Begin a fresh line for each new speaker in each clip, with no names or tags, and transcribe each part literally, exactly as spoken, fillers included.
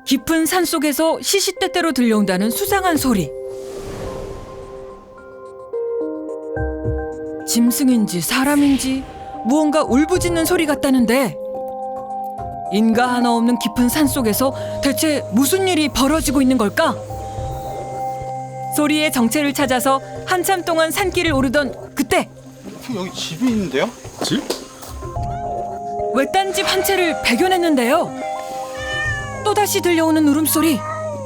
깊은 산 속에서 시시때때로 들려온다는 수상한 소리. 짐승인지 사람인지 무언가 울부짖는 소리 같다는데 인가 하나 없는 깊은 산 속에서 대체 무슨 일이 벌어지고 있는 걸까? 소리의 정체를 찾아서 한참 동안 산길을 오르던 그때
여기 집이 있는데요?
집?
외딴 집 한 채를 발견했는데요. 또다시 들려오는 울음소리.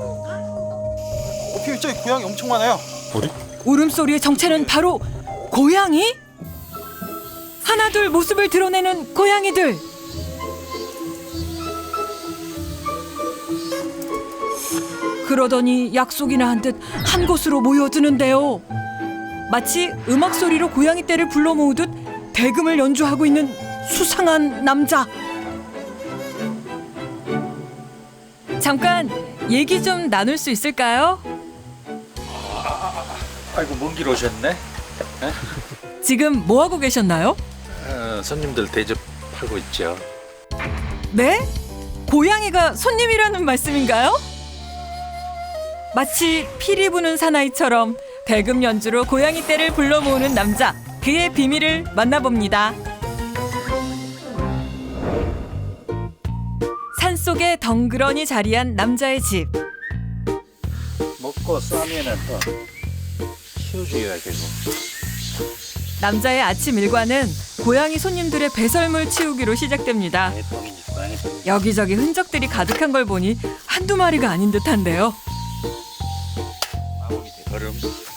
어, 저기 고양이 엄청 많아요.
어디?
울음소리의 정체는 바로 고양이? 하나둘 모습을 드러내는 고양이들. 그러더니 약속이나 한 듯 한 곳으로 모여드는데요. 마치 음악 소리로 고양이 떼를 불러 모으듯 대금을 연주하고 있는 수상한 남자. 잠깐 얘기 좀 나눌 수 있을까요?
아이고 먼 길 오셨네.
지금 뭐 하고 계셨나요?
어, 손님들 대접하고 있죠.
네? 고양이가 손님이라는 말씀인가요? 마치 피리 부는 사나이처럼 대금 연주로 고양이 떼를 불러 모으는 남자. 그의 비밀을 만나봅니다. 산속에 덩그러니 자리한 남자의 집.
먹고 싸면은 또 키워줘야겠고.
남자의 아침 일과는 고양이 손님들의 배설물 치우기로 시작됩니다. 여기저기 흔적들이 가득한 걸 보니 한두 마리가 아닌 듯한데요.
얼음.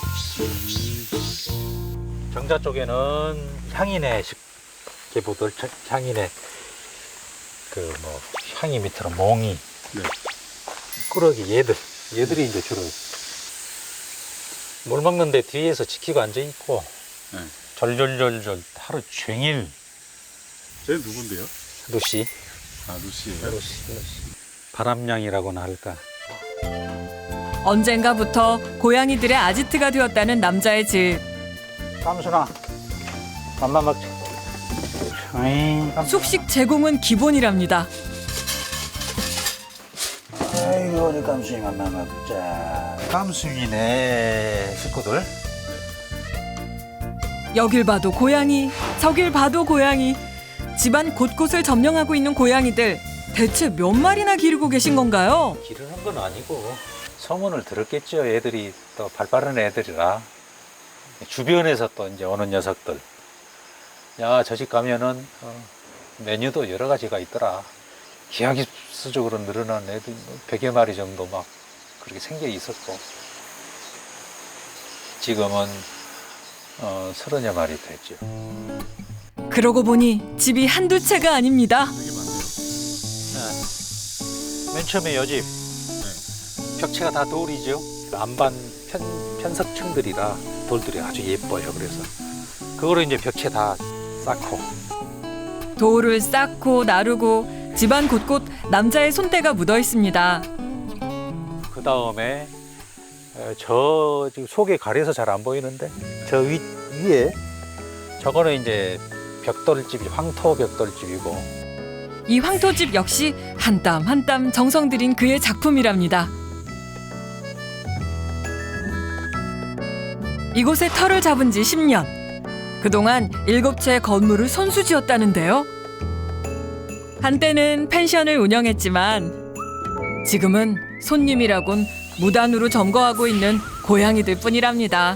정자 쪽에는 향인의 개보들, 향인의 그 뭐 향이 밑으로 몽이,
네.
꾸러기 얘들, 얘들이 이제 주로 물 먹는데 뒤에서 지키고 앉아 있고,
네.
절절절절 하루 종일.
쟤 누군데요?
루시,
아, 루시예요.
루시, 루시. 바람냥이라고나 할까.
언젠가부터 고양이들의 아지트가 되었다는 남자의 집.
깜순아, 맘마 먹자. 어이,
숙식 제공은 기본이랍니다.
아이고 우리 깜순이 맘마 먹자. 깜순이네 식구들.
여길 봐도 고양이, 저길 봐도 고양이. 집안 곳곳을 점령하고 있는 고양이들. 대체 몇 마리나 기르고 계신 건가요?
기르는 건 아니고 소문을 들었겠죠. 애들이 또 발빠른 애들이라 주변에서 또 이제 오는 녀석들. 야, 저 집 가면은 어, 메뉴도 여러 가지가 있더라. 기하급수적으로 늘어난 애들 백여 마리 정도 막 그렇게 생겨 있었고, 지금은 어, 서른여 마리 됐죠.
그러고 보니 집이 한두 채가 아닙니다.
네. 맨 처음에 요 집 벽체가 다 돌이죠. 안반 편, 편석층들이라 돌들이 아주 예뻐요. 그래서 그거를 이제 벽체 다 쌓고.
돌을 쌓고 나르고 집안 곳곳 남자의 손때가 묻어 있습니다.
그 다음에 저 지금 속에 가려서 잘 안 보이는데 저 위, 위에 저거는 이제 벽돌집이 황토 벽돌집이고,
이 황토집 역시 한 땀 한 땀 정성 들인 그의 작품이랍니다. 이곳에 터를 잡은 지 십 년. 그동안 일곱 채 건물을 손수지었다는데요. 한때는 펜션을 운영했지만 지금은 손님이라곤 무단으로 점거하고 있는 고양이들 뿐이랍니다.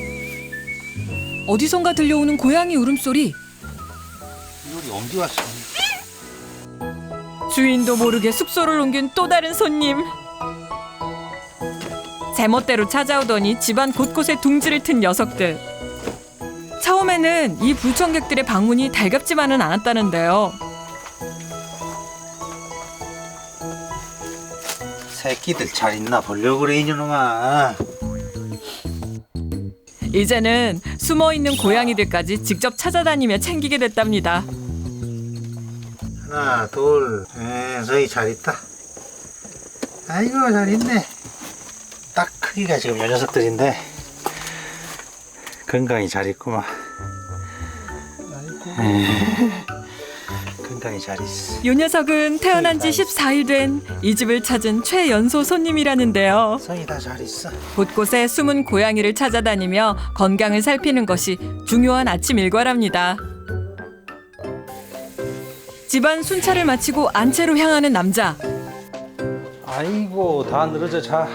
어디선가 들려오는 고양이 울음소리.
여기 옮기 왔어.
주인도 모르게 숙소를 옮긴 또 다른 손님. 제멋대로 찾아오더니 집안 곳곳에 둥지를 튼 녀석들. 처음에는 이 불청객들의 방문이 달갑지만은 않았다는데요.
새끼들 잘 있나 보려고 그래 이놈아.
이제는 숨어있는 고양이들까지 직접 찾아다니며 챙기게 됐답니다.
하나 둘, 에, 저기 잘 있다. 아이고 잘 있네. 딱 크기가 지금 요 녀석들인데 건강히 잘 있구만. 아이고. 건강히
건강히 잘 있어.
요 녀석은 태어난 지 십사 일 된 이 집을 찾은 최연소 손님이라는데요.
성이 다 잘 있어.
곳곳에 숨은 고양이를 찾아다니며 건강을 살피는 것이 중요한 아침 일과랍니다. 집안 순찰을 마치고 안채로 향하는 남자.
아이고 다 늘어져 자.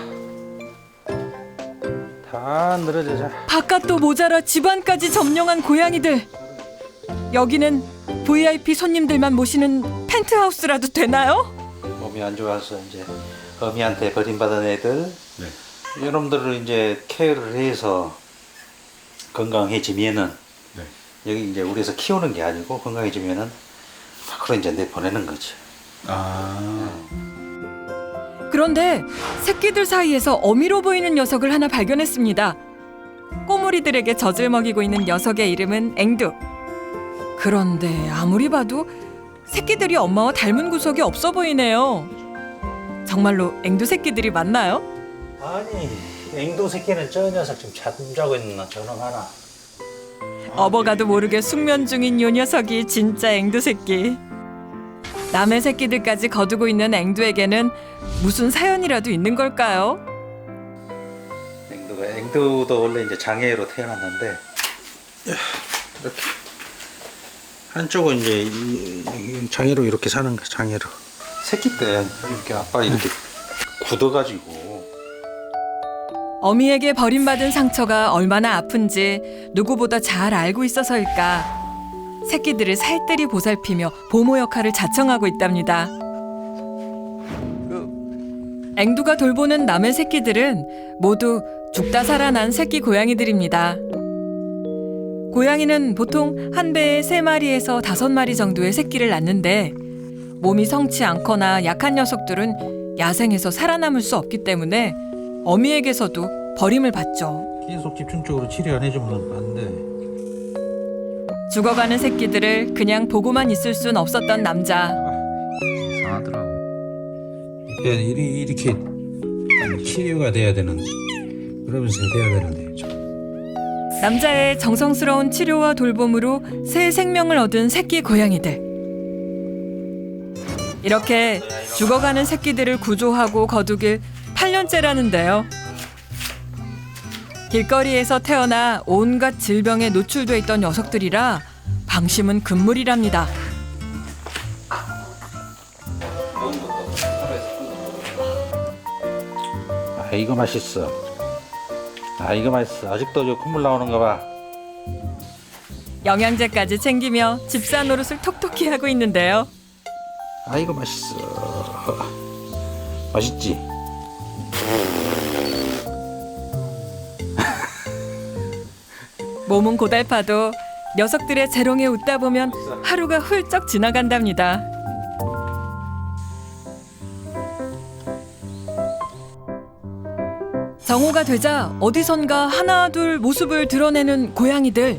다 늘어져 자.
바깥도 모자라 집안까지 점령한 고양이들. 여기는 브이아이피 손님들만 모시는 펜트하우스라도 되나요?
몸이 안 좋아서 이제 어미한테 버림받은 애들.
네.
여러분들을 이제 케어를 해서 건강해지면은
네.
여기 이제 우리에서 키우는 게 아니고 건강해지면은 밖으로 이제 내보내는 거죠.
아.
그런데 새끼들 사이에서 어미로 보이는 녀석을 하나 발견했습니다. 꼬물이들에게 젖을 먹이고 있는 녀석의 이름은 앵두. 그런데 아무리 봐도 새끼들이 엄마와 닮은 구석이 없어 보이네요. 정말로 앵두 새끼들이 맞나요?
아니 앵도 새끼는 저 녀석 지금 잠자고 있는 저놈 하나.
업어가도 모르게 숙면 중인 요 녀석이 진짜 앵두 새끼. 남의 새끼들까지 거두고 있는 앵두에게는 무슨 사연이라도 있는 걸까요?
앵도가 앵도도 원래 이제 장애로 태어났는데 이렇게 한쪽은 이제 이- 이 장애로 이렇게 사는 거야. 장애로. 새끼 때 이렇게 아빠 이렇게 굳어가지고.
어미에게 버림받은 상처가 얼마나 아픈지 누구보다 잘 알고 있어서일까. 새끼들을 살뜰히 보살피며 보모 역할을 자청하고 있답니다. 앵두가 돌보는 남의 새끼들은 모두 죽다 살아난 새끼 고양이들입니다. 고양이는 보통 한 배에 세 마리에서 다섯 마리 정도의 새끼를 낳는데 몸이 성치 않거나 약한 녀석들은 야생에서 살아남을 수 없기 때문에 어미에게서도 버림을 받죠.
계속 집중적으로 치료 안 해주면 안 돼.
죽어가는 새끼들을 그냥 보고만 있을 순 없었던 남자.
이상하더라고. 그러니까 이리- 이렇게 치료가 돼야 되는데 그러면서 돼야 되는데.
남자의 정성스러운 치료와 돌봄으로 새 생명을 얻은 새끼 고양이들. 이렇게 죽어가는 새끼들을 구조하고 거두길 팔 년째라는데요. 길거리에서 태어나 온갖 질병에 노출돼 있던 녀석들이라 방심은 금물이랍니다.
아 이거 맛있어. 아 이거 맛있어. 아직도 저 콧물 나오는 거 봐.
영양제까지 챙기며 집사 노릇을 톡톡히 하고 있는데요.
아 이거 맛있어. 맛있지?
몸은 고달파도 녀석들의 재롱에 웃다 보면 하루가 훌쩍 지나간답니다. 정오가 되자 어디선가 하나 둘 모습을 드러내는 고양이들.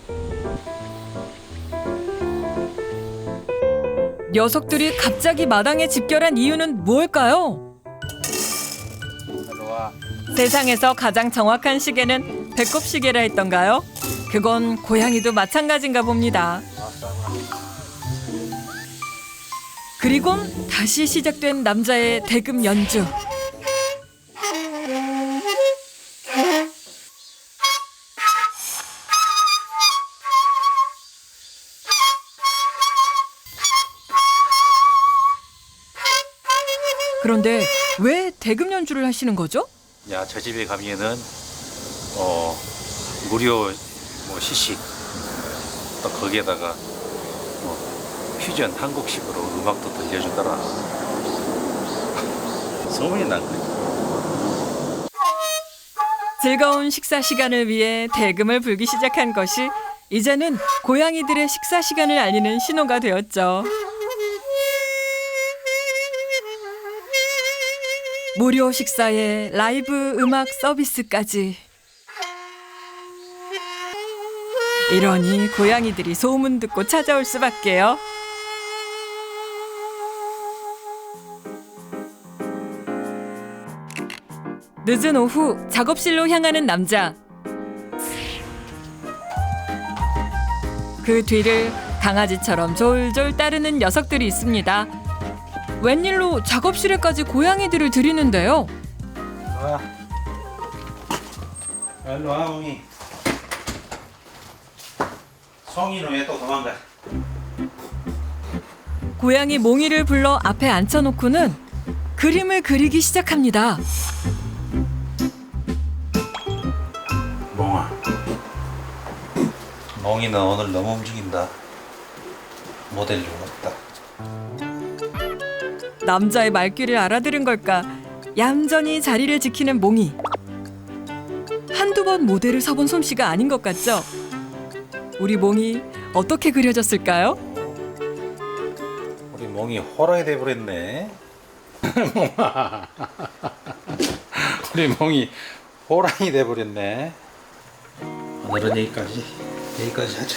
녀석들이 갑자기 마당에 집결한 이유는 무엇일까요? 세상에서 가장 정확한 시계는 배꼽 시계라 했던가요? 그건 고양이도 마찬가지인가 봅니다. 그리곤 다시 시작된 남자의 대금 연주. 그런데 왜 대금 연주를 하시는 거죠?
야, 저 집에 가면은 어 무료 뭐 시식 또 거기에다가 뭐 퓨전 한국식으로 음악도 들려주더라. 소문이 난 거지.
즐거운 식사 시간을 위해 대금을 불기 시작한 것이 이제는 고양이들의 식사 시간을 알리는 신호가 되었죠. 무료 식사에 라이브 음악 서비스까지. 이러니 고양이들이 소문 듣고 찾아올 수밖에요. 늦은 오후 작업실로 향하는 남자. 그 뒤를 강아지처럼 졸졸 따르는 녀석들이 있습니다. 웬일로 작업실에까지 고양이들을 들이는데요.
와. 일로 와, 웅이. 성이는 왜 또 도망가?
고양이 몽이를 불러 앞에 앉혀놓고는 그림을 그리기 시작합니다.
몽아. 몽이는 오늘 너무 움직인다. 모델로 왔다.
남자의 말귀를 알아들은 걸까 얌전히 자리를 지키는 몽이. 한두 번 모델을 서본 솜씨가 아닌 것 같죠? 우리 몽이 어떻게 그려졌을까요?
우리 몽이 호랑이 돼버렸네. 우리 몽이 호랑이 돼버렸네. 오늘은 여기까지. 여기까지 하자.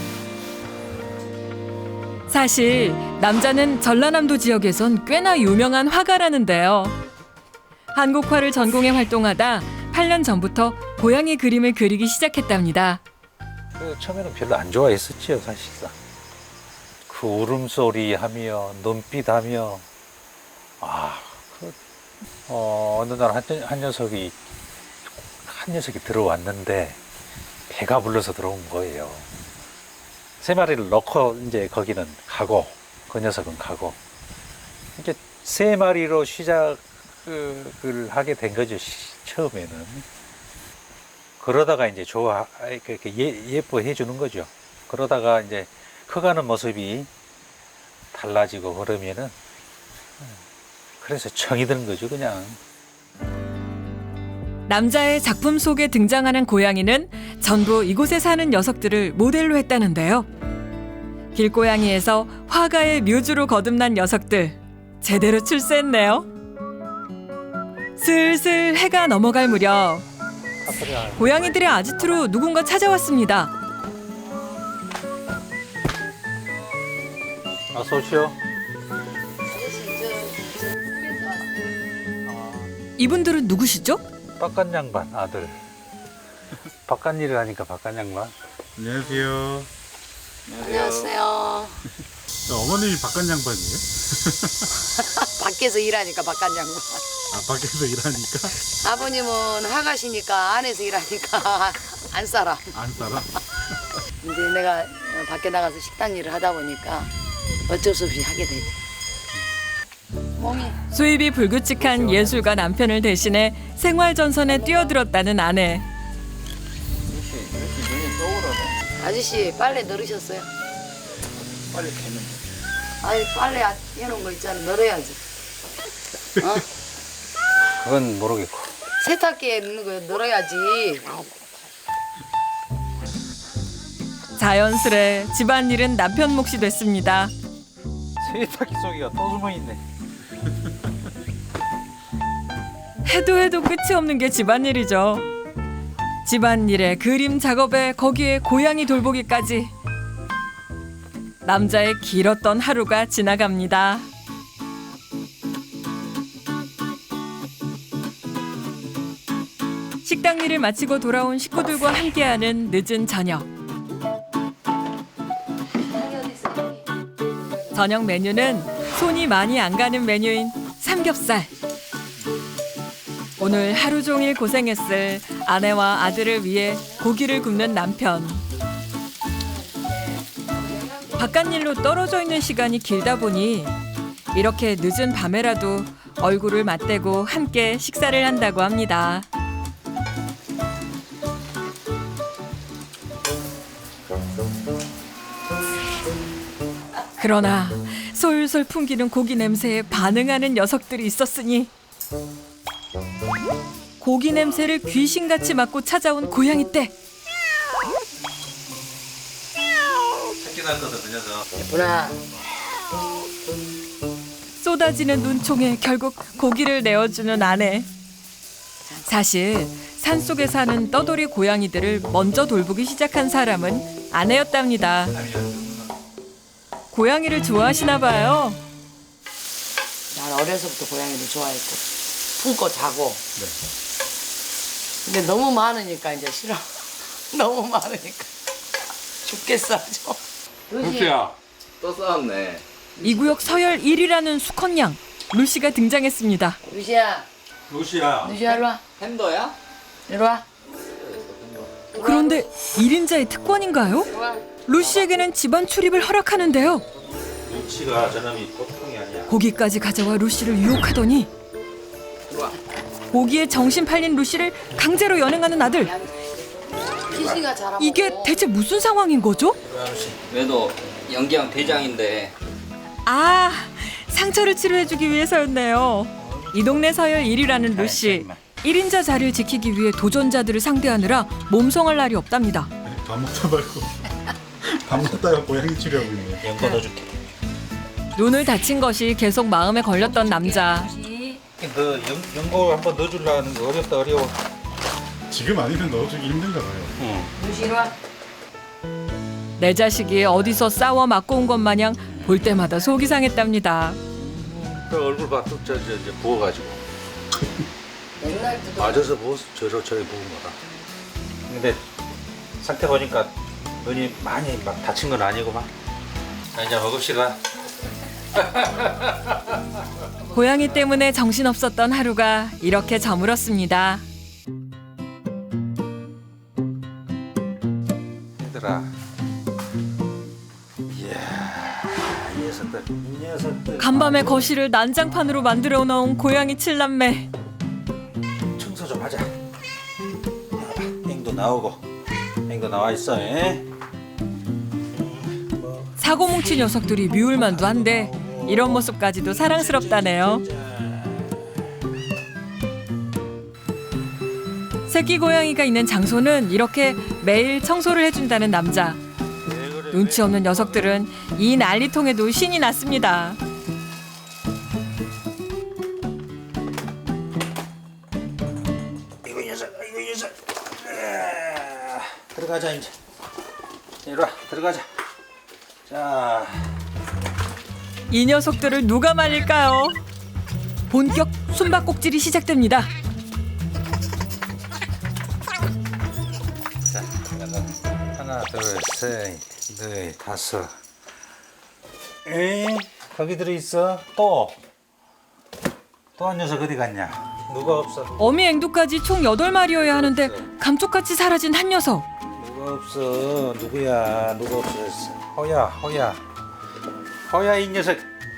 사실 남자는 전라남도 지역에선 꽤나 유명한 화가라는데요. 한국화를 전공해 활동하다 팔 년 전부터 고양이 그림을 그리기 시작했답니다.
그 처음에는 별로 안 좋아했었지요, 사실상. 그 울음소리 하며 눈빛 하며 아, 그, 어, 어느 날 한, 한 녀석이 한 녀석이 들어왔는데 배가 불러서 들어온 거예요. 세 마리를 넣고 이제 거기는 가고 그 녀석은 가고 이제 세 마리로 시작을 하게 된 거죠, 시, 처음에는. 그러다가 이제 좋아, 이렇게 예, 예뻐해 주는 거죠. 그러다가 이제 커가는 모습이 달라지고 그러면은 그래서 정이 드는 거죠, 그냥.
남자의 작품 속에 등장하는 고양이는 전부 이곳에 사는 녀석들을 모델로 했다는데요. 길고양이에서 화가의 묘주로 거듭난 녀석들 제대로 출세했네요. 슬슬 해가 넘어갈 무렵 고양이들의 아지트로 누군가 찾아왔습니다.
어서 오시오.
이분들은 누구시죠?
바깥 양반 아들. 바깥 일을 하니까 바깥 양반.
안녕하세요.
안녕하세요.
어머님이 바깥 양반이에요?
밖에서 일하니까 바깥 양반.
아, 밖에서 일하니까?
아버님은 화가시니까 안에서 일하니까 안 살아.
안 살아?
이제 내가 밖에 나가서 식당 일을 하다 보니까 어쩔 수 없이 하게 되지. 몽이
수입이 불규칙한 예술가 남편을 대신해 생활 전선에 뛰어들었다는 아내.
아저씨 빨래 널으셨어요?
빨리 개는.
아니 빨래 해놓은 거 있잖아, 널어야지. 어?
그건 모르겠고.
세탁기에 있는 거 널어야지.
자연스레 집안일은 남편 몫이 됐습니다.
세탁기 속이가 또 숨어 있네.
해도 해도 끝이 없는 게 집안일이죠. 집안일에 그림 작업에 거기에 고양이 돌보기까지. 남자의 길었던 하루가 지나갑니다. 식당 일을 마치고 돌아온 식구들과 함께하는 늦은 저녁. 저녁 메뉴는 손이 많이 안 가는 메뉴인 삼겹살. 오늘 하루 종일 고생했을 아내와 아들을 위해 고기를 굽는 남편. 바깥일로 떨어져 있는 시간이 길다 보니 이렇게 늦은 밤에라도 얼굴을 맞대고 함께 식사를 한다고 합니다. 그러나 솔솔 풍기는 고기 냄새에 반응하는 녀석들이 있었으니 고기 냄새를 귀신같이 맡고 찾아온 고양이 떼.
새끼 낳거든, 그 녀석.
예쁘나?
쏟아지는 눈총에 결국 고기를 내어주는 아내. 사실 산속에 사는 떠돌이 고양이들을 먼저 돌보기 시작한 사람은 아내였답니다. 고양이를 좋아하시나 봐요.
난 어려서부터 고양이를 좋아했고 품고 자고. 근데 너무 많으니까 이제 싫어. 너무 많으니까 죽겠어 아주. 루시야.
또 싸웠네.
이 구역 서열 일 위라는 수컷양 루시가 등장했습니다.
루시야.
루시야.
루시야 일로 와.
핸더야?
이리 와.
그런데 일 인자의 특권인가요?
이리 와.
루시에게는 집안 출입을 허락하는데요.
눈치가 저놈이 보통이 아니야.
고기까지 가져와 루시를 유혹하더니 고기에 정신 팔린 루시를 강제로 연행하는 아들.
키시가 잘하고.
이게 대체 무슨 상황인 거죠?
얘도 연기형 대장인데
아, 상처를 치료해주기 위해서였네요. 이 동네 서열 일 위라는 루시. 일 인자 자리를 지키기 위해 도전자들을 상대하느라 몸성할 날이 없답니다.
밥 먹다 말고 밥 먹다가 고양이 치료하고 있네.
연고 넣어줄게.
눈을 다친 것이 계속 마음에 걸렸던 남자.
너 연, 연고 한번 넣어주려는 거 어렵다 어려워.
지금 아니면 넣어주기 힘든가 봐요.
루시 이리 와.
내 자식이 어디서 싸워 맞고 온 것 마냥 볼 때마다 속이 상했답니다.
그 얼굴 봐, 또 저 저 저 부어가지고.
맨날 뜯어.
맞아서 부어 저러 저래 부은 거라. 근데 상태 보니까 눈이 많이 막 다친 건 아니구만. 자, 이제 먹읍시다.
고양이 때문에 정신없었던 하루가 이렇게 저물었습니다.
얘들아. 이야, 이 녀석들, 이 녀석들.
간밤에 거실을 난장판으로 만들어 놓은 고양이 칠남매.
청소 좀 하자. 봐봐, 앵도 나오고, 앵도 나와 있어. 에?
사고 뭉친 녀석들이 미울만도 한데 이런 모습까지도 사랑스럽다네요. 새끼 고양이가 있는 장소는 이렇게 매일 청소를 해준다는 남자. 눈치 없는 녀석들은 이 난리통에도 신이 났습니다.
이거 이 녀석, 이거 이 녀석. 아, 들어가자 이제. 이리 와, 들어가자. 자,
이 녀석들을 누가 말릴까요? 본격 숨바꼭질이 시작됩니다.
자, 하나, 둘, 셋, 넷, 다섯. 에이, 거기 들어 있어. 또, 또 한 녀석 어디 갔냐? 누가 없어?
어미 앵두까지 총 여덟 마리여야 하는데 감쪽같이 사라진 한 녀석.
누가 없어? 누구야? 누가 없어졌어? 허야, 허야, 허야 이 녀석.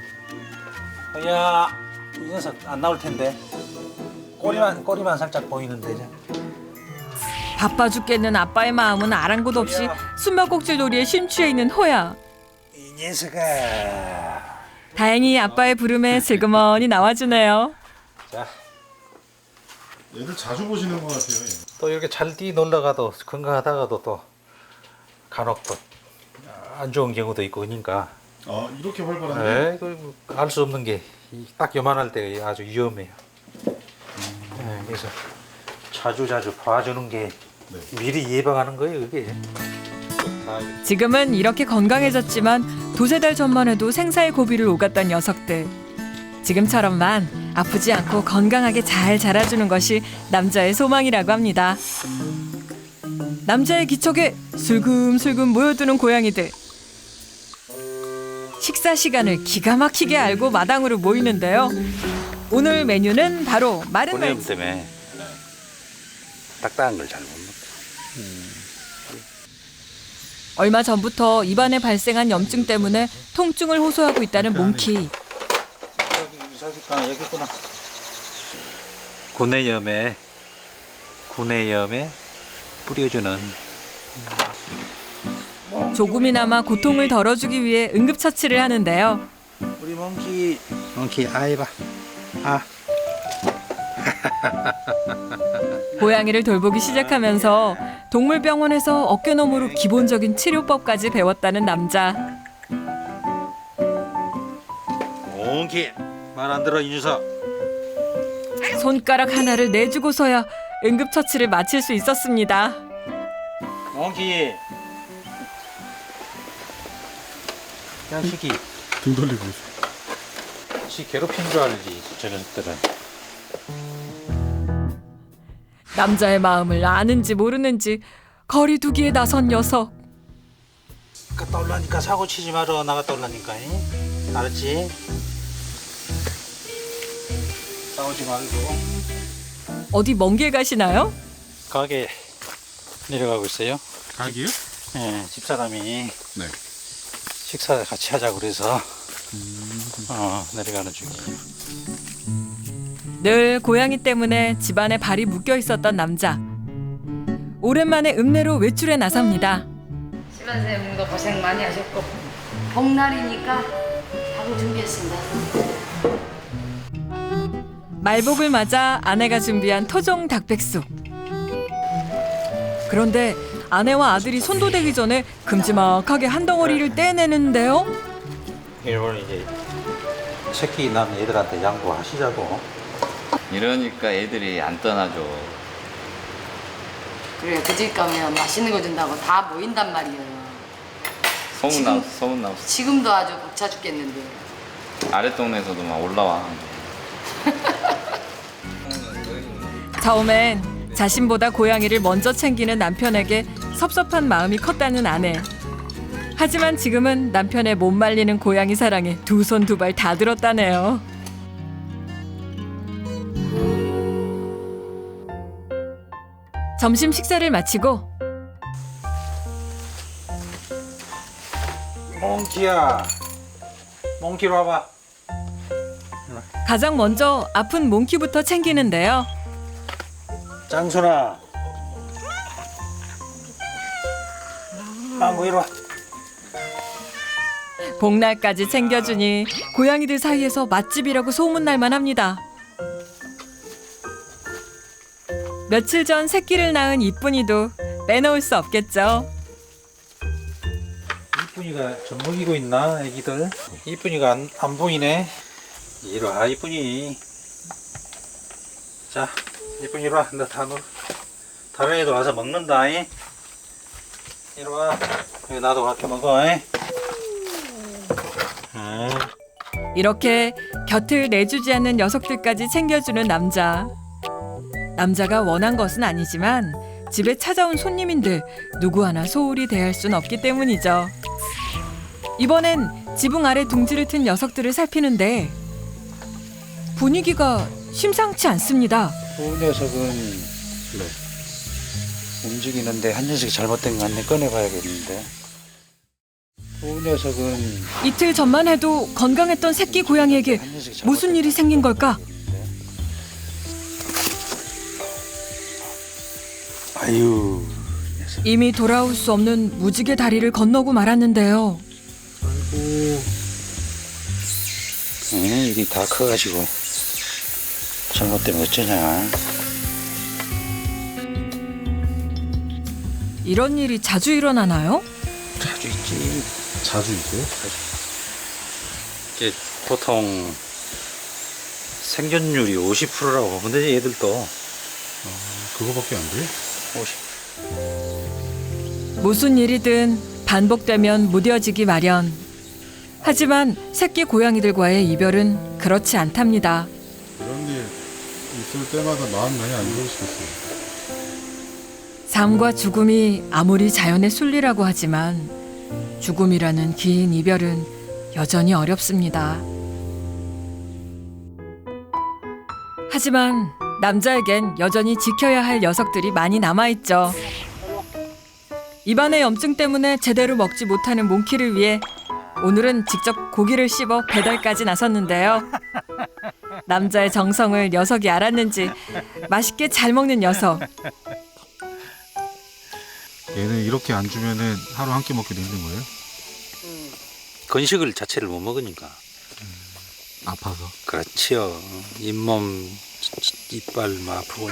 허야, 이 녀석 안 나올 텐데. 꼬리만 꼬리만 살짝 보이는데. 이제.
바빠 죽겠는 아빠의 마음은 아랑곳 없이 숨바꼭질 놀이에 심취해 있는 호야.
이 녀석아.
다행히 아빠의 부름에 슬그머니 나와주네요.
자,
얘들 자주 보시는 것 같아요. 얘.
또 이렇게 잘 뛰 놀러가도 건강하다가도 또 간혹 또 안 좋은 경우도 있고 그러니까.
아 이렇게 활발한데?
네, 알 수 없는 게 딱 요만할 때 아주 위험해요. 네, 그래서 자주 자주 봐주는 게
네.
미리 예방하는 거예요, 그게. 다 이렇게.
지금은 이렇게 건강해졌지만 두세 달 전만 해도 생사의 고비를 오갔던 녀석들. 지금처럼만 아프지 않고 건강하게 잘 자라주는 것이 남자의 소망이라고 합니다. 남자의 기척에 슬금슬금 모여드는 고양이들. 식사 시간을 기가 막히게 알고 마당으로 모이는데요. 오늘 메뉴는 바로 마른
보냄
날치.
때문에 딱딱한 걸 잘 못 먹어.
얼마 전부터 입안에 발생한 염증 때문에 통증을 호소하고 있다는 몽키.
여기 여기 여기 있구나. 구내염에 구내염에 뿌려주는.
조금이나마 고통을 덜어주기 위해 응급처치를 하는데요.
우리 몽키 몽키 아이봐 아.
고양이를 돌보기 시작하면서 동물병원에서 어깨너머로 기본적인 치료법까지 배웠다는 남자.
몽키 말 안 들어 이 녀석.
손가락 하나를 내주고서야 응급처치를 마칠 수 있었습니다.
몽키 자식이
등 돌리고 있어.
지 괴롭힌 줄 알지 저년들은.
남자의 마음을 아는지 모르는지 거리두기에 나선 녀석.
나갔다 올라니까 사고 치지 마라. 나갔다 올라니까. 잉? 알았지? 싸우지 말고.
어디 먼 길 가시나요?
가게 내려가고 있어요.
가기요?
예, 집사람이
네.
식사 같이 하자고 그래서 어, 내려가는 중이에요.
늘 고양이 때문에 집안에 발이 묶여 있었던 남자. 오랜만에 읍내로 외출에 나섭니다.
심한쌤도 고생 많이 하셨고 복날이니까 밥을 준비했습니다.
말복을 맞아 아내가 준비한 토종 닭백숙. 그런데 아내와 아들이 손도대기 전에 큼지막하게 한 덩어리를 떼내는데요.
이걸 이제 새끼 난 애들한테 양보하시자고.
이러니까 애들이 안 떠나죠.
그래 그 집 가면 맛있는 거 준다고 다 모인단 말이에요.
소문나 소문나.
지금도 아주 벅차 죽겠는데.
아랫동네에서도 막 올라와.
처음엔 자신보다 고양이를 먼저 챙기는 남편에게 섭섭한 마음이 컸다는 아내. 하지만 지금은 남편의 못 말리는 고양이 사랑에 두 손 두 발 다 들었다네요. 점심 식사를 마치고
몽키야, 몽키로 와봐.
가장 먼저 아픈 몽키부터 챙기는데요.
장순아, 망고 이리 와.
복날까지 챙겨주니 고양이들 사이에서 맛집이라고 소문날 만합니다. 며칠 전 새끼를 낳은 이쁜이도 빼놓을 수 없겠죠.
이쁜이가 젖 먹이고 있나, 애기들? 이쁜이가 안, 안 보이네. 이리 와, 이쁜이. 자, 이쁜이 이리 와. 너 다 놀. 다른 애도 와서 먹는다. 이. 이리 와. 여기 나도 같이 먹어. 이. 아.
이렇게 곁을 내주지 않는 녀석들까지 챙겨주는 남자. 남자가 원한 것은 아니지만 집에 찾아온 손님인데 누구 하나 소홀히 대할 순 없기 때문이죠. 이번엔 지붕 아래 둥지를 튼 녀석들을 살피는데 분위기가 심상치 않습니다.
두 녀석은
네.
움직이는데 한 녀석이 잘못된 거 같네. 꺼내봐야겠는데. 두 녀석은
이틀 전만 해도 건강했던 새끼 고양이에게
한 녀석이 잘못된
무슨 일이 생긴 걸까?
아유,
이미 돌아올 수 없는 무지개 다리를 건너고 말았는데요.
응, 이게 다 커가지고 잘못되면 어쩌냐.
이런 일이 자주 일어나나요?
자주 있지.
자주 있어요?
이게 보통 생존율이 오십 퍼센트라고 보면 되지. 얘들도
그거밖에 안 돼요?
오십.
무슨 일이든 반복되면 무뎌지기 마련. 하지만 새끼 고양이들과의 이별은 그렇지 않답니다.
이런 일 있을 때마다 마음 많이 안 좋으시겠어요.
삶과 죽음이 아무리 자연의 순리라고 하지만 죽음이라는 긴 이별은 여전히 어렵습니다. 하지만 남자에겐 여전히 지켜야 할 녀석들이 많이 남아있죠. 입안의 염증 때문에 제대로 먹지 못하는 몽키를 위해 오늘은 직접 고기를 씹어 배달까지 나섰는데요. 남자의 정성을 녀석이 알았는지 맛있게 잘 먹는 녀석.
얘는 이렇게 안 주면은 하루 한 끼 먹기도 힘든 거예요?
건식을 자체를 못 먹으니까.
아파서.
그렇지요. 잇몸, 이빨 막 아프고.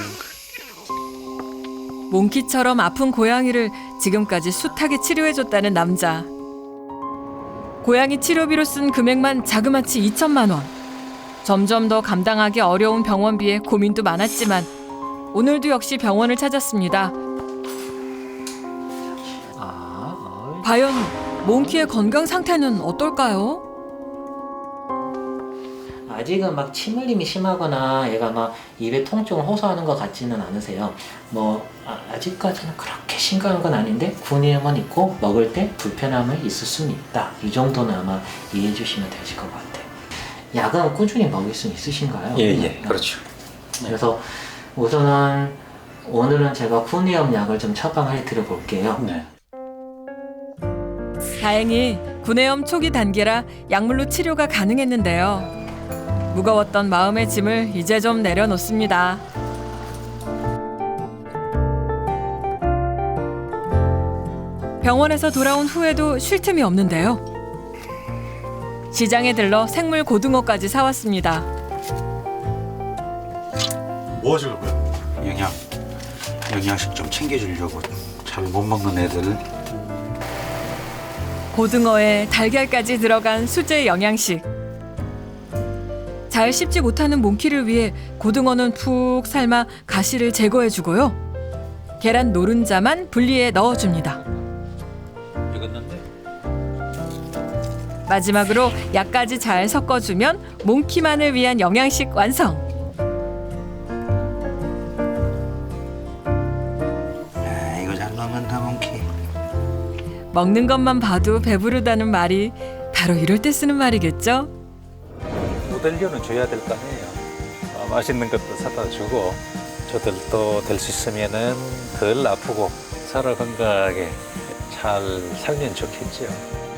몽키처럼 아픈 고양이를 지금까지 숱하게 치료해줬다는 남자. 고양이 치료비로 쓴 금액만 자그마치 이천만 원. 점점 더 감당하기 어려운 병원비에 고민도 많았지만 오늘도 역시 병원을 찾았습니다. 과연 몽키의 건강 상태는 어떨까요?
아직은 막 침 흘림이 심하거나 얘가 막 입에 통증을 호소하는 것 같지는 않으세요. 뭐 아, 아직까지는 그렇게 심각한 건 아닌데 군의염은 있고 먹을 때 불편함을 있을 수는 있다. 이 정도는 아마 이해해 주시면 되실 것 같아요. 약은 꾸준히 먹일 수는 있으신가요?
예, 예, 그렇죠.
그래서 우선은 오늘은 제가 군의염 약을 좀 처방해 드려 볼게요.
네.
다행히 구내염 초기 단계라 약물로 치료가 가능했는데요. 무거웠던 마음의 짐을 이제 좀 내려놓습니다. 병원에서 돌아온 후에도 쉴 틈이 없는데요. 시장에 들러 생물 고등어까지 사왔습니다.
뭐 하시려고요?
영양 영양식 좀 챙겨주려고 잘 못 먹는 애들.
고등어에 달걀까지 들어간 수제 영양식. 잘 씹지 못하는 몽키를 위해 고등어는 푹 삶아 가시를 제거해주고요. 계란 노른자만 분리해 넣어줍니다.
익었는데.
마지막으로 약까지 잘 섞어주면 몽키만을 위한 영양식 완성.
아, 이거 잘 먹는다 몽키.
먹는 것만 봐도 배부르다는 말이 바로 이럴 때 쓰는 말이겠죠?
모델료는 줘야 될 거 아니에요. 어, 맛있는 것도 사다 주고 저들도 될 수 있으면은 덜 아프고 살아 건강하게 잘 살면 좋겠죠.